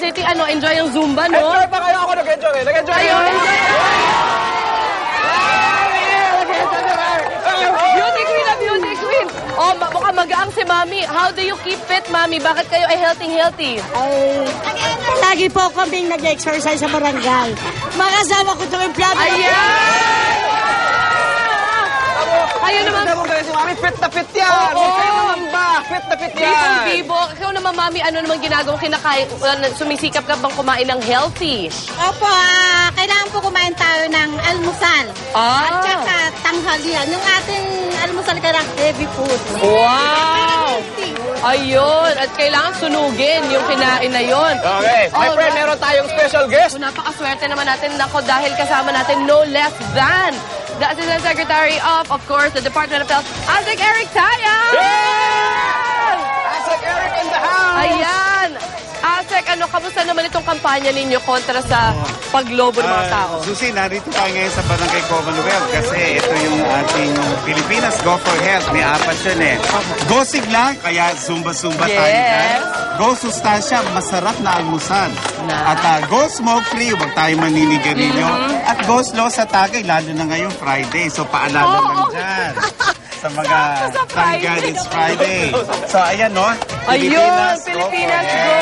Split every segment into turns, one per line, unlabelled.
City, ano, enjoy yung Zumba, no?
Enjoy pa kayo? Ako nag-enjoy. Nag-enjoy
Ayun, enjoy. Beauty queen na beauty queen. Oh, mukhang magaang si Mami. How do you keep fit, Mami? Bakit kayo ay healthy?
Ay, lagi po kaming nag-exercise sa barangay. Makasama ko itong emplado.
Ayan! Kayo naman.
Si Mami, fit na fit yan.
Oo.
Huwag kayo mangamba. Fit na fit yan.
Bibo. Ikaw naman, Mami, ano naman ginagawa kinakain? Sumisikap ka bang kumain ng healthy?
Opo, kailangan po kumain tayo ng almusal. At saka tanghalian. Yung ating almusal kailangan heavy food.
Wow! Ayun. At kailangan sunugin yung kinain na yun.
Okay. My friend, meron tayong special guest.
So, napakaswerte naman natin ako dahil kasama natin no less than the Assistant Secretary of course, the Department of Health, Asik Eric Taya!
Asik Eric in the house!
Ayan! Asik, ano, kamusta naman itong kampanya ninyo kontra sa paglobo ng mga tao?
Susi, narito tayo ngayon sa Barangay Commonwealth kasi ito yung ating Pilipinas Go for Health. May apat yun eh. Go sigla, kaya zumba-zumba tayo dyan. Go sustansya, masarap na almusal. At go smoke-free, huwag tayo maninigarilyo. At go slow sa Tagay, lalo na ngayong Friday. So paalala lang dyan. Sa mga Tanggal, it's Friday. So ayan no,
Ayun! Pilipinas Go!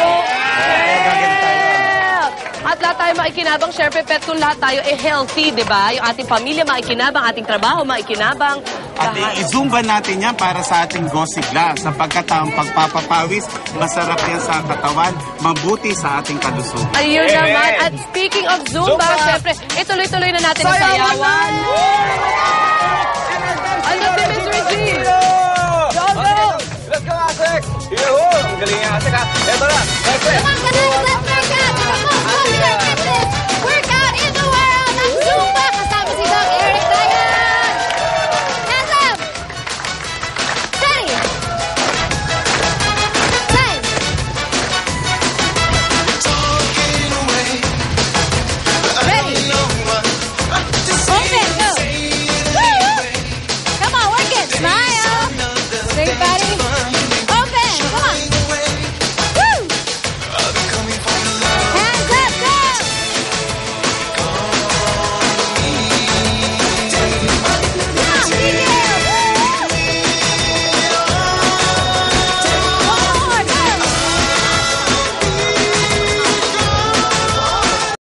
At lahat tayo maikinabang, syempre, pet kung lahat tayo healthy, di ba? Yung ating pamilya maikinabang, ating trabaho maikinabang.
At i-zumba natin yan para sa ating go sigla. Sapagkat ang pagpapapawis, masarap yan sa katawan, mabuti sa ating kalusugan.
Ayun naman. At speaking of Zumba, syempre, ituloy-tuloy na natin ang sayawan. Ano si Miss Regine?
Let's go, Asik! Ang galing niya, Asik ha. Ito na, my friend.